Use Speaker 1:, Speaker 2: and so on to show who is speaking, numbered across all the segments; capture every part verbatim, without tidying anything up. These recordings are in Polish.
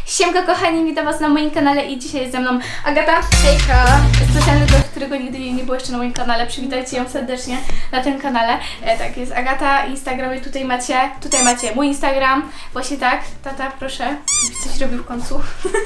Speaker 1: Siemka kochani, witam was na moim kanale i dzisiaj jest ze mną Agata. Hejka. Specjalny gość, którego nigdy nie było jeszcze na moim kanale. Przywitajcie ją serdecznie na tym kanale. E, tak, jest Agata, Instagram i tutaj macie, tutaj macie mój Instagram. Właśnie tak, tata proszę, żebyś coś robił w końcu.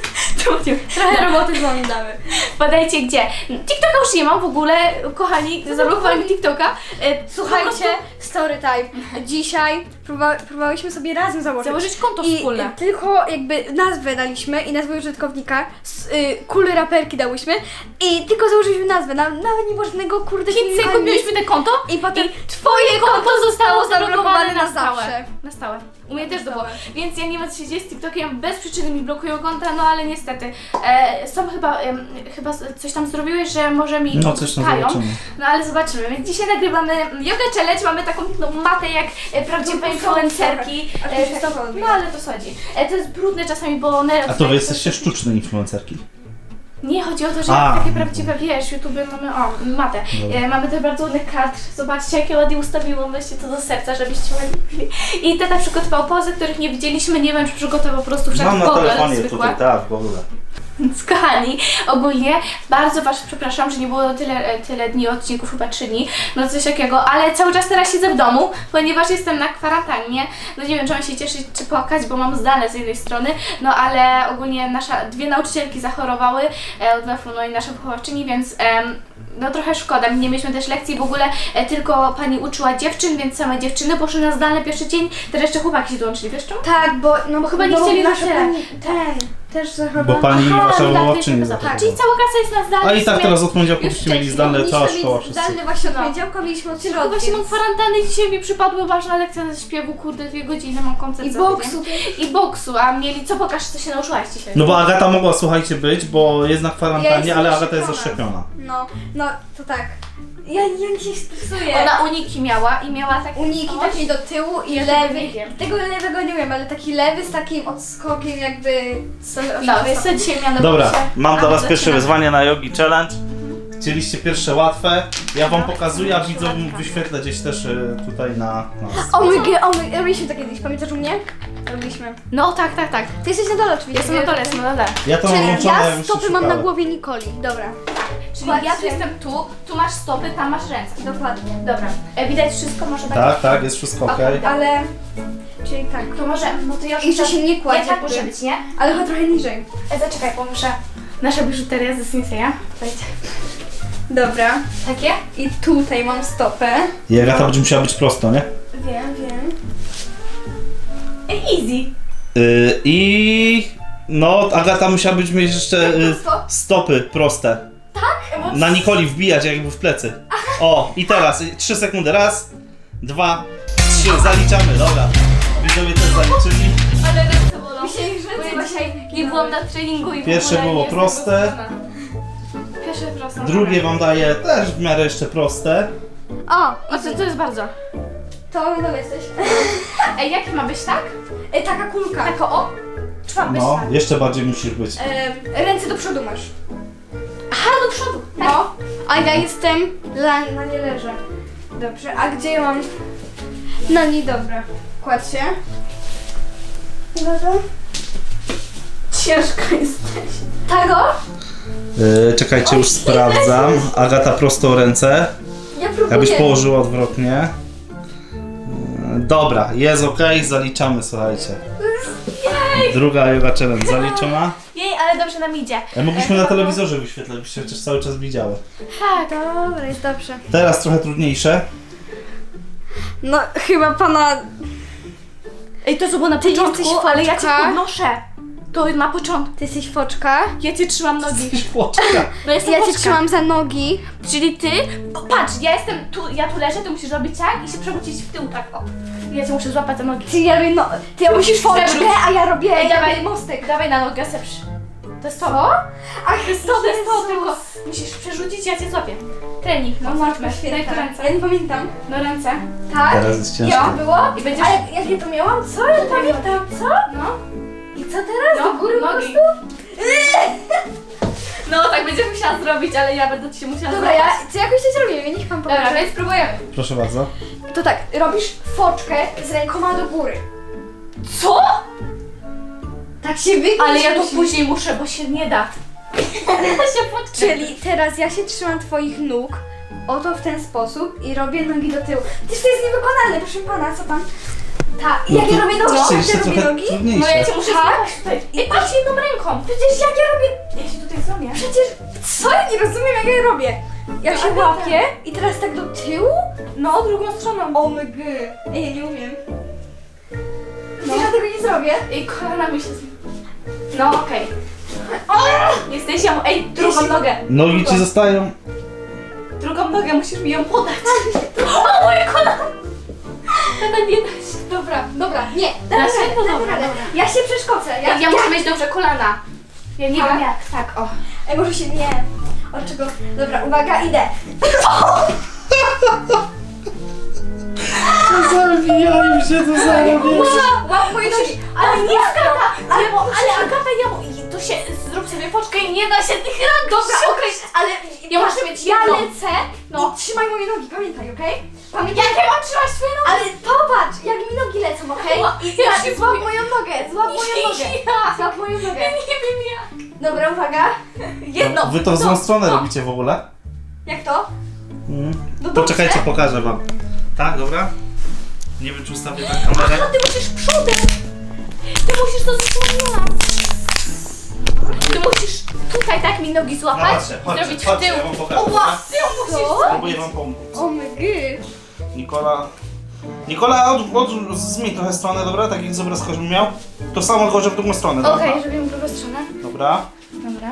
Speaker 1: Trochę roboty z wami damy. Podajcie gdzie. TikToka już nie mam w ogóle, kochani, zablokowali mi TikToka. E,
Speaker 2: Słuchajcie, story time. Dzisiaj próba, próbowałyśmy sobie razem założyć.
Speaker 1: Założyć konto
Speaker 2: I
Speaker 1: wspólne.
Speaker 2: tylko jakby nazwę daliśmy i nazwę użytkownika, z, y, kule raperki dałyśmy i tylko założyliśmy nazwę, na, nawet nie było żadnego kurde
Speaker 1: pięć
Speaker 2: filmika,
Speaker 1: sekund
Speaker 2: nic.
Speaker 1: mieliśmy te konto
Speaker 2: I potem
Speaker 1: i twoje konto zostało zablokowane na
Speaker 2: zawsze.
Speaker 1: stałe. Na stałe. U mnie też to było.
Speaker 2: stałe.
Speaker 1: Więc ja nie wiem co się dzieje z TikTokiem, bez przyczyny mi blokują konta, no ale niestety. E, są chyba, em, chyba coś tam zrobiłeś, że może mi
Speaker 3: No coś tam
Speaker 1: odpuszczają.
Speaker 3: zobaczymy.
Speaker 1: No ale zobaczymy. Więc dzisiaj nagrywamy yoga challenge, mamy taką no, matę jak e, prawdziwe
Speaker 2: No,
Speaker 1: influencerki.
Speaker 2: a to
Speaker 1: E,
Speaker 2: się
Speaker 1: to,
Speaker 2: tak
Speaker 1: no ale to schodzi. E, to jest brudne czasami, bo one...
Speaker 3: A to wy jesteście sztuczne influencerki.
Speaker 1: Nie, chodzi o to, że
Speaker 3: A.
Speaker 1: takie prawdziwe, wiesz, YouTube mamy, o, matę.
Speaker 3: Dobra.
Speaker 1: E, mamy też bardzo ładny kadr. Zobaczcie, jakie ładnie ustawiłam, weźcie to do serca, żebyście ładnie. I tata przygotował pozy, których nie widzieliśmy, nie wiem, czy przygotował po prostu wszak
Speaker 3: Mam na
Speaker 1: Google
Speaker 3: telefonie
Speaker 1: zwykłe.
Speaker 3: tutaj, tak, w ogóle.
Speaker 1: Więc kochani, ogólnie bardzo was przepraszam, że nie było tyle, tyle dni odcinków, chyba trzy dni, no coś takiego, ale cały czas teraz siedzę w domu, ponieważ jestem na kwarantannie. No nie wiem, czy mam się cieszyć, czy płakać, bo mam zdane z jednej strony, no ale ogólnie nasza, dwie nauczycielki zachorowały e, od weflu, no i nasza wychowawczyni, więc em, no trochę szkoda, nie mieliśmy też lekcji, w ogóle e, tylko pani uczyła dziewczyn, więc same dziewczyny poszły na zdalne pierwszy dzień, teraz jeszcze chłopaki się dołączyli, wiesz czemu?
Speaker 2: Tak, bo, no,
Speaker 1: Bo chyba nie chcieli
Speaker 2: nasza
Speaker 1: na
Speaker 2: pani, ten, też zachorował.
Speaker 3: Bo pani
Speaker 1: Aha,
Speaker 3: wasza
Speaker 1: no tak,
Speaker 3: wychowawczyni
Speaker 1: jest
Speaker 3: zachowała.
Speaker 1: Czyli cała klasa jest na zdalne.
Speaker 3: A i
Speaker 1: w
Speaker 3: tak
Speaker 1: sumie-
Speaker 3: teraz od poniedziałku
Speaker 1: już
Speaker 3: byście mieli
Speaker 1: wcześniej.
Speaker 3: zdalne,
Speaker 2: Mieliśmy
Speaker 3: cała
Speaker 2: mieć
Speaker 3: szkoła, wszyscy.
Speaker 2: zdalny właśnie od
Speaker 1: No.
Speaker 2: poniedziałka, mieliśmy od
Speaker 1: Tylko
Speaker 2: środy.
Speaker 1: właśnie mam kwarantannę i dzisiaj mi przypadła ważna lekcja ze śpiewu, kurde, dwie godziny, mam koncert
Speaker 2: I
Speaker 1: za
Speaker 2: boksu.
Speaker 1: tydzień. I boksu, a mieli, co pokaż, co się nauczyłaś dzisiaj?
Speaker 3: No bo Agata mogła, słuchajcie, być, bo jest na
Speaker 2: Ja
Speaker 3: kwarantannie,
Speaker 2: jestem
Speaker 3: ale Agata jest
Speaker 2: zaszczepiona.
Speaker 3: zaszczepiona.
Speaker 2: No, no, to tak. Ja, ja się stresuję.
Speaker 1: Ona uniki miała i miała taki
Speaker 2: Uniki
Speaker 1: coś.
Speaker 2: taki do tyłu i
Speaker 1: Ja tego
Speaker 2: lewy.
Speaker 1: nie wiem.
Speaker 2: Tego lewego nie wiem, ale taki lewy z takim odskokiem jakby... Co,
Speaker 1: No, więc co dzisiaj miano
Speaker 3: Dobra,
Speaker 1: się...
Speaker 3: mam dla
Speaker 1: A,
Speaker 3: was
Speaker 1: zaczynamy.
Speaker 3: pierwsze wyzwanie na Yogi Challenge. Chcieliście pierwsze łatwe, ja wam pokazuję, a widzom wyświetlę gdzieś też y, tutaj na... na...
Speaker 2: O mój g, o mój, robiliśmy to kiedyś, pamiętasz u mnie? Robiliśmy.
Speaker 1: No tak, tak, tak.
Speaker 2: Ty jesteś na dole oczywiście.
Speaker 1: Jestem na dole, jestem na dole.
Speaker 3: Ja to mam
Speaker 2: Czyli
Speaker 3: włączone,
Speaker 2: ja
Speaker 3: już
Speaker 2: stopy
Speaker 3: się
Speaker 2: mam na
Speaker 3: szukałem.
Speaker 2: głowie Nikoli. Dobra.
Speaker 1: Czyli ja tu
Speaker 2: Patrzcie.
Speaker 1: jestem tu, tu masz stopy, tam masz ręce.
Speaker 2: Dokładnie.
Speaker 1: Dobra. E, widać wszystko, może tak?
Speaker 3: Tak, tak, jest wszystko ok.
Speaker 1: Okej.
Speaker 2: Ale... Czyli tak.
Speaker 1: To może, no to ja już
Speaker 2: I że
Speaker 1: muszę-
Speaker 2: się nie kładzie
Speaker 1: Nie, tak
Speaker 2: jakby.
Speaker 1: może być, nie?
Speaker 2: Ale chyba trochę niżej.
Speaker 1: E, zaczekaj, bo muszę... Nasza biżuteria ze Sinseya. Słuchajcie.
Speaker 2: Dobra.
Speaker 1: Takie?
Speaker 2: I tutaj mam stopę.
Speaker 3: I Agata będzie musiała być prosto, nie?
Speaker 2: Wiem, wiem.
Speaker 1: Ej, easy.
Speaker 3: Y, I... No, Agata musiała być mieć jeszcze y,
Speaker 2: prosto?
Speaker 3: stopy proste.
Speaker 1: Tak? Bo...
Speaker 3: Na Nikoli wbijać jakby w plecy. O, i teraz y, trzy sekundy. Raz, dwa, trzy. Zaliczamy, dobra. Widzowie też zaliczyli.
Speaker 1: Ale ręce bolą.
Speaker 2: Mi się ich
Speaker 1: Bo
Speaker 2: ręce
Speaker 1: ja dzisiaj nie byłam na treningu i w
Speaker 3: Pierwsze
Speaker 1: ogóle
Speaker 3: było
Speaker 1: nie jestem
Speaker 3: proste.
Speaker 1: gotowana. Pierwsze proste.
Speaker 3: Drugie wam daję też w miarę jeszcze proste.
Speaker 2: O!
Speaker 1: O, co to jest bardzo?
Speaker 2: To no jesteś.
Speaker 1: Ej, jak ma być tak?
Speaker 2: E, taka kulka.
Speaker 1: Tako o? Czy ma być
Speaker 3: No,
Speaker 1: tak?
Speaker 3: jeszcze bardziej musisz być.
Speaker 2: E, ręce do przodu masz.
Speaker 1: Aha, do przodu. Tak.
Speaker 2: No. A ja jestem... La, na nie leżę. Dobrze, a gdzie ja mam... No nie, dobra. Kładź się. Uwaga.
Speaker 1: Ciężko jesteś.
Speaker 2: Tego?
Speaker 3: Yy, czekajcie, już sprawdzam. Agata prosto ręce.
Speaker 2: Ja próbuję.
Speaker 3: Jakbyś położyła odwrotnie. Yy, Dobra, jest ok, zaliczamy, słuchajcie. Druga yoga challenge zaliczona.
Speaker 1: Jej, ale dobrze nam idzie.
Speaker 3: E, mogliśmy
Speaker 1: E,
Speaker 3: na
Speaker 1: to-
Speaker 3: telewizorze wyświetlać, byście chociaż cały czas widziały.
Speaker 1: Tak.
Speaker 2: Dobra, jest dobrze.
Speaker 3: Teraz trochę trudniejsze.
Speaker 2: No chyba pana...
Speaker 1: Ej, to co było na
Speaker 2: Ty
Speaker 1: początku,
Speaker 2: jesteś
Speaker 1: ale ja cię
Speaker 2: foczka?
Speaker 1: podnoszę. To na początku.
Speaker 2: Ty jesteś foczka.
Speaker 1: Ja cię trzymam nogi.
Speaker 3: Płoczka.
Speaker 1: No jestem
Speaker 2: Ja cię
Speaker 1: foczka.
Speaker 2: trzymam za nogi.
Speaker 1: Czyli ty, o, patrz, ja jestem tu, ja tu leżę, ty musisz robić tak i się przewrócić w tył tak, o. Ja cię muszę złapać za nogi.
Speaker 2: Ty, ja robię no... Ty ja musisz foczkę,
Speaker 1: Przewróć.
Speaker 2: a ja robię...
Speaker 1: Ej, dawaj,
Speaker 2: jakby mostek.
Speaker 1: Dawaj na nogę, seprzy. To jest to?
Speaker 2: Ach,
Speaker 1: To jest to, to jest to, tylko musisz przerzucić, ja cię złapię. Trening, no złapmy. Daj tu ręce.
Speaker 2: Ja nie pamiętam.
Speaker 1: No ręce.
Speaker 2: Tak?
Speaker 3: Teraz jest ciężko.
Speaker 2: Ja było?
Speaker 1: I będziesz...
Speaker 2: A jak, jak ja to miałam? Co? Ja pamiętam, co?
Speaker 1: No.
Speaker 2: I co teraz?
Speaker 1: No,
Speaker 2: Do góry po
Speaker 1: nogi.
Speaker 2: prostu?
Speaker 1: No, tak będziesz musiała zrobić, ale ja będę ci się musiała
Speaker 2: Dobra, ja
Speaker 1: złapać.
Speaker 2: co jakoś to zrobimy, niech pan
Speaker 1: Dobra,
Speaker 2: pokaże.
Speaker 1: więc spróbujemy.
Speaker 3: Proszę bardzo.
Speaker 2: To tak, robisz foczkę z rękoma do góry.
Speaker 1: Co?
Speaker 2: Tak się wygnie.
Speaker 1: Ale ja to później muszę, bo się nie da. Ja się podkręcę.
Speaker 2: Czyli teraz ja się trzymam twoich nóg, oto w ten sposób i robię nogi do tyłu. Przecież to jest niewykonalne, proszę pana, co pan... Tak,
Speaker 3: No
Speaker 2: jak
Speaker 3: to
Speaker 2: ja robię nogi,
Speaker 3: rzeczywiście
Speaker 2: jak ja robię
Speaker 3: trochę
Speaker 2: nogi?
Speaker 3: trudniejsze.
Speaker 1: No ja cię muszę
Speaker 2: Tak?
Speaker 1: złapać tutaj. I patrz jedną ręką.
Speaker 2: Przecież jak ja robię...
Speaker 1: Ja się tutaj złamię.
Speaker 2: Przecież... Co? Ja nie rozumiem, jak ja robię. Ja się
Speaker 1: Agata.
Speaker 2: łapię i teraz tak do tyłu?
Speaker 1: No, drugą stroną.
Speaker 2: O my gy. Ej, ja nie umiem. No. Ja tego nie zrobię.
Speaker 1: I kolanami się z... No okej. Jesteś ją... Ej, drugą nogę.
Speaker 3: Nogi ci zostają.
Speaker 1: Drugą nogę, musisz mi ją podać. O, moje kolano. Tego nie da się.
Speaker 2: Dobra, dobra, nie.
Speaker 1: Da
Speaker 2: Damy
Speaker 1: się?
Speaker 2: radę,
Speaker 1: No
Speaker 2: damy
Speaker 1: dobra,
Speaker 2: radę.
Speaker 1: dobra.
Speaker 2: Ja się przeszkocę. Ja,
Speaker 1: Ja, ja muszę mieć dobrze kolana. Ja nie
Speaker 2: Tak?
Speaker 1: wiem jak. Tak, o.
Speaker 2: Ej, może się nie. Od czego? Dobra, uwaga, idę.
Speaker 3: Zabijają się, to zarobię.
Speaker 2: Łap moje nogi.
Speaker 1: Ale nie Agata! Ale, bo, ale Agata, ja mu... i To się... Zrób sobie foczkę i nie da się tych rąk.
Speaker 2: Dobra, okej, ale
Speaker 1: Ja muszę mieć
Speaker 2: ja
Speaker 1: jedną.
Speaker 2: lecę
Speaker 1: No.
Speaker 2: i trzymaj moje nogi, pamiętaj, okej? Pamiętaj.
Speaker 1: Jak ja mam trzymać twoje nogi?
Speaker 2: Ale popatrz, jak mi nogi lecą, okej?
Speaker 1: No,
Speaker 2: I
Speaker 1: ja
Speaker 2: teraz
Speaker 1: się
Speaker 2: złap
Speaker 1: boję.
Speaker 2: moją nogę, złap moją nogę.
Speaker 1: Ja.
Speaker 2: Złap moją nogę.
Speaker 1: Nie wiem jak.
Speaker 2: Dobra, uwaga.
Speaker 1: Jedno.
Speaker 3: Wy to w złą
Speaker 1: No,
Speaker 3: stronę
Speaker 1: no.
Speaker 3: robicie w ogóle?
Speaker 2: Jak to?
Speaker 3: Mm.
Speaker 2: No
Speaker 3: Poczekajcie,
Speaker 2: dobrze.
Speaker 3: pokażę wam. Tak, dobra? Nie wiem, czy ustawię tak kamerę.
Speaker 1: A ty musisz przodem. Ty musisz to zasłonić. Ty musisz tutaj tak mi nogi
Speaker 3: No
Speaker 1: złapać
Speaker 3: chodźcie, chodźcie,
Speaker 1: zrobić w
Speaker 3: chodźcie,
Speaker 1: tył.
Speaker 3: ja wam pokażę,
Speaker 1: O,
Speaker 3: dobra?
Speaker 1: w tył musisz.
Speaker 2: Co?
Speaker 3: Spróbuję wam pomóc.
Speaker 2: O my gy.
Speaker 3: Nikola... Nikola, od, od, zmień trochę stronę, dobra? Tak jak z obrazka bym miał. To samo, tylko że w drugą stronę, dobra?
Speaker 1: Okej, zrobimy drugą stronę.
Speaker 3: Dobra.
Speaker 1: Dobra.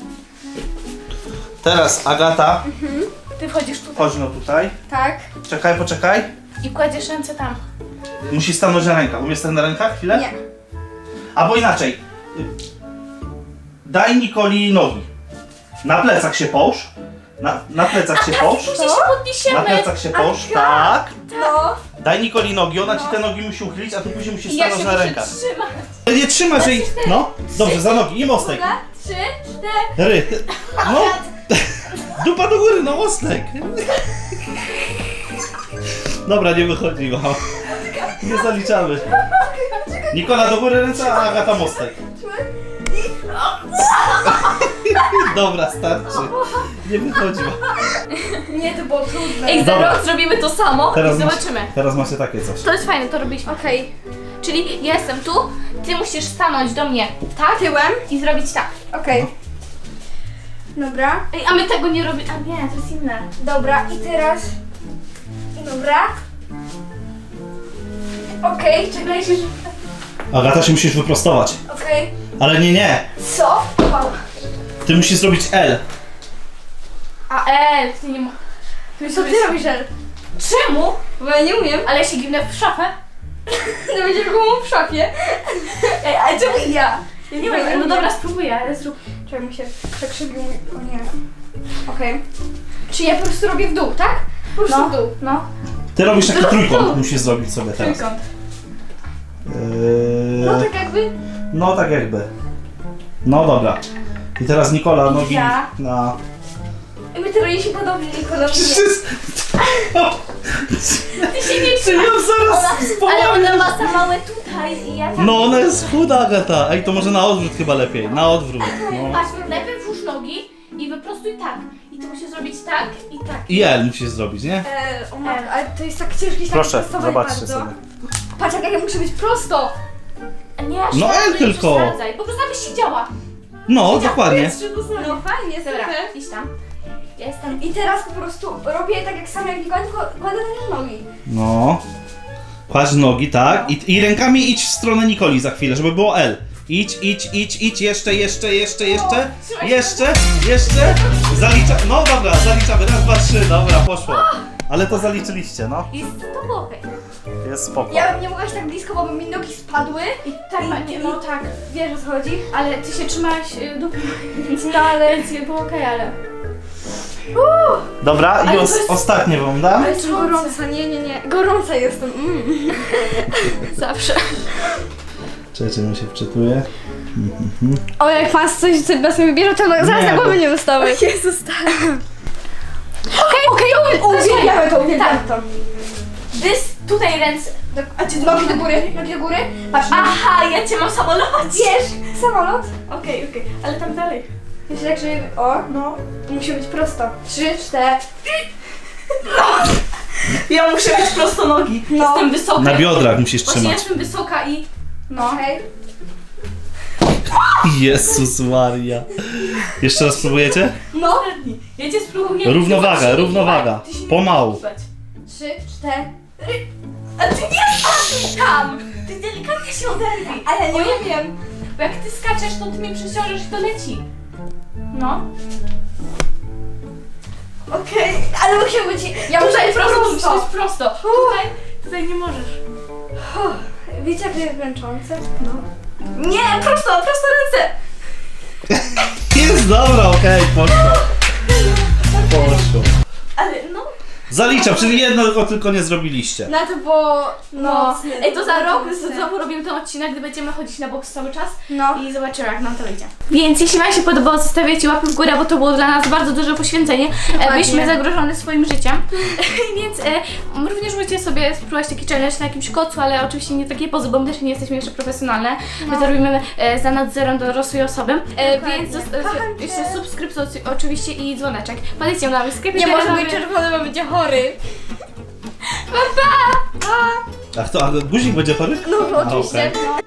Speaker 3: Teraz Agata,
Speaker 1: Ty wchodzisz tutaj
Speaker 3: chodź no tutaj.
Speaker 2: Tak.
Speaker 3: Czekaj, poczekaj.
Speaker 1: i kładziesz ręce tam.
Speaker 3: Musi stanąć na rękach. Umiesz stać na rękach chwilę?
Speaker 2: Nie.
Speaker 3: Albo inaczej. Daj Nikoli nogi. Na plecach się połóż. Na, na plecach się połóż.
Speaker 1: Później się podniesiemy.
Speaker 3: Na plecach się połóż.
Speaker 2: Aga.
Speaker 3: Tak.
Speaker 2: No.
Speaker 3: Daj Nikoli nogi, ona ci
Speaker 2: No.
Speaker 3: te nogi musi uchylić, a ty później musisz
Speaker 1: I ja się
Speaker 3: stanąć na
Speaker 1: muszę
Speaker 3: rękach.
Speaker 1: trzymać.
Speaker 3: Nie trzymasz jej. No, dobrze, za nogi i mostek.
Speaker 2: Uwaga. Trzy, cztery.
Speaker 3: Ry. No. Dupa do góry, no mostek. Dobra, nie wychodzi, wow. Nie zaliczamy. Nikola do góry ręce, a Agata mostek. Dobra, starczy. Nie wychodzi.
Speaker 2: Nie, to było trudne.
Speaker 1: Ej, za
Speaker 3: Dobra.
Speaker 1: rok zrobimy to samo
Speaker 3: Teraz
Speaker 1: i
Speaker 3: masz-
Speaker 1: zobaczymy.
Speaker 3: Teraz macie takie coś.
Speaker 1: To jest fajne, to robiliśmy.
Speaker 2: Okej.
Speaker 1: Czyli ja jestem tu, ty musisz stanąć do mnie tak
Speaker 2: Tyłem.
Speaker 1: i zrobić tak.
Speaker 2: Okej. Dobra.
Speaker 1: Ej, a my tego nie robimy. A nie, to jest inne.
Speaker 2: Dobra, i teraz... Dobra. Okej, czekaj się...
Speaker 3: Agata, się musisz wyprostować.
Speaker 2: Okej.
Speaker 3: Ale nie, nie.
Speaker 2: Co? Wow.
Speaker 3: Ty musisz zrobić L.
Speaker 1: A e, ty nie mo-
Speaker 2: Co ty robisz, El?
Speaker 1: Czemu?
Speaker 2: Bo ja nie umiem.
Speaker 1: Ale ja się ginę w szafę.
Speaker 2: No będziesz go w szafie.
Speaker 1: Ej, ale czemu ja? Ja nie
Speaker 2: Dobra,
Speaker 1: wiem, no
Speaker 2: umiem.
Speaker 1: dobra, spróbuję, ale zrób.
Speaker 2: Czekaj, mi się przekrzywił mój... O nie. Okej. Czy ja po prostu robię w dół, tak? Po prostu
Speaker 1: No,
Speaker 2: w dół.
Speaker 1: no.
Speaker 3: Ty robisz taki trójkąt, musisz zrobić sobie teraz.
Speaker 1: Trójkąt.
Speaker 3: Yy,
Speaker 2: No tak jakby...
Speaker 3: no tak jakby. No dobra. I teraz Nikola, nogi
Speaker 1: Ja.
Speaker 3: na...
Speaker 2: My to robiliśmy podobnie, Nikola.
Speaker 1: Ty się nie
Speaker 3: Czy ja zaraz
Speaker 1: Ale
Speaker 3: spowolnię?
Speaker 1: ona ma za małe tutaj i ja tak.
Speaker 3: No ona jest chuda, Agata. Ej, to może na odwrót chyba lepiej. Na odwrót. No.
Speaker 1: Patrz, najpierw włóż nogi i wyprostuj tak. I ty musisz zrobić tak i tak.
Speaker 3: I L musisz zrobić, nie?
Speaker 2: E, o matko, ale to jest tak ciężkie
Speaker 3: Proszę,
Speaker 2: prostować
Speaker 3: zobaczcie
Speaker 2: bardzo.
Speaker 3: sobie.
Speaker 2: Patrz, jak ja muszę być prosto.
Speaker 1: A nie aż
Speaker 3: No
Speaker 1: tak,
Speaker 3: L
Speaker 1: nie
Speaker 3: tylko.
Speaker 1: przesadzaj. Po prostu abyś siedziała.
Speaker 3: No, dokładnie.
Speaker 2: No fajnie,
Speaker 1: Dobra,
Speaker 2: super.
Speaker 1: idź tam. Ja jestem.
Speaker 2: I teraz po prostu robię tak jak sam jak Nikola, tylko kładę na nie nogi.
Speaker 3: No. Kładź nogi, tak. I, I rękami idź w stronę Nikoli za chwilę, żeby było L. Idź, idź, idź, idź, jeszcze, jeszcze, jeszcze, jeszcze,
Speaker 1: trzymaj się.
Speaker 3: jeszcze, jeszcze. Zalicza... No dobra, zaliczamy. Raz, dwa, trzy, dobra, poszło. Ale to zaliczyliście, no.
Speaker 1: Jest to było okej.
Speaker 3: Jest spoko.
Speaker 2: Ja bym nie mogła się tak blisko, bo by mi nogi spadły.
Speaker 1: I tak,
Speaker 2: I,
Speaker 1: nie,
Speaker 2: i,
Speaker 1: no tak.
Speaker 2: Wiesz o co chodzi?
Speaker 1: Ale ty się trzymałaś y, dupy.
Speaker 2: No ale...
Speaker 1: Więc było okej, ale.
Speaker 3: Dobra,
Speaker 1: Ale
Speaker 3: i
Speaker 1: to
Speaker 3: os-
Speaker 1: jest-
Speaker 3: ostatnie wam dam.
Speaker 2: Ale jestem gorąca, nie, nie, nie. Gorąca jestem. Mm.
Speaker 1: Zawsze.
Speaker 3: Czekajcie, mi się wczytuje.
Speaker 2: O, jak pan coś sobie na sobie bierze, to no, zaraz
Speaker 3: Nie,
Speaker 2: na głowę
Speaker 3: bo-
Speaker 2: nie dostały. Jezus, tak. Okej, okej, uwielbiamy to, uwielbiamy to.
Speaker 1: Dys, tutaj ręce.
Speaker 2: A czy nogi do góry, nogi do góry? Patrz, nogi.
Speaker 1: Aha, ja cię mam samolocie.
Speaker 2: Wiesz, samolot?
Speaker 1: Okej, okej, ale tam dalej.
Speaker 2: Myślę, jak że... O, no. Musi być prosto. Trzy, cztery.
Speaker 1: Ja muszę mieć prosto nogi.
Speaker 2: No.
Speaker 1: Jestem wysoka.
Speaker 3: Na biodrach musisz
Speaker 1: Właśnie
Speaker 3: trzymać.
Speaker 1: jestem wysoka i... No.
Speaker 2: Okej.
Speaker 3: Jezus Maria. Jeszcze raz spróbujecie?
Speaker 1: No. Ja cię spróbuję.
Speaker 3: Równowaga,
Speaker 1: Zobacz,
Speaker 3: równowaga.
Speaker 1: ty się nie
Speaker 3: Pomału.
Speaker 1: możesz ruszać.
Speaker 2: Trzy, cztery.
Speaker 1: A ty nie skaczesz tam! Ty delikatnie się oderwij.
Speaker 2: A ja nie
Speaker 1: Bo ja
Speaker 2: umiem.
Speaker 1: Bo jak ty skaczesz, to ty mnie przeciążesz i to leci. No.
Speaker 2: Okej, ale muszę być... Ja muszę
Speaker 1: Tutaj
Speaker 2: być
Speaker 1: prosto,
Speaker 2: prosto.
Speaker 1: musisz być prosto. Tutaj, tutaj nie możesz.
Speaker 2: Uff, wiecie, jak to jest męczące?
Speaker 1: No. Nie, prosto, prosto ręce.
Speaker 3: Jest dobra, okej, poszło. Poszło.
Speaker 1: Ale no.
Speaker 3: Zaliczam, czyli jednego tylko nie zrobiliście.
Speaker 2: Na to było...
Speaker 1: No.
Speaker 2: mocne.
Speaker 1: Ej, to za rok
Speaker 2: Mocne.
Speaker 1: znowu robimy ten odcinek, gdy będziemy chodzić na boks cały czas.
Speaker 2: No.
Speaker 1: I zobaczymy, jak nam to wyjdzie. Więc jeśli Wam się podobało, zostawiajcie łapy w górę, bo to było dla nas bardzo duże poświęcenie. E,
Speaker 2: Dokładnie.
Speaker 1: Byliśmy zagrożone swoim życiem. Więc e, również możecie sobie spróbować taki challenge na jakimś kocu, ale oczywiście nie takie pozy, bo my też nie jesteśmy jeszcze profesjonalne. My
Speaker 2: No.
Speaker 1: to robimy e, za nadzorem dorosłej osoby. E,
Speaker 2: Dokładnie.
Speaker 1: więc zos-
Speaker 2: Kocham cię.
Speaker 1: jeszcze subskrypcja oczywiście i dzwoneczek. Polecam na mój sklep.
Speaker 2: Nie może być czerwony, bo będzie chory. Pa, pa! Pa!
Speaker 3: A kto, a guzik będzie chory?
Speaker 2: No
Speaker 3: A,
Speaker 2: oczywiście.
Speaker 3: okej.
Speaker 2: No.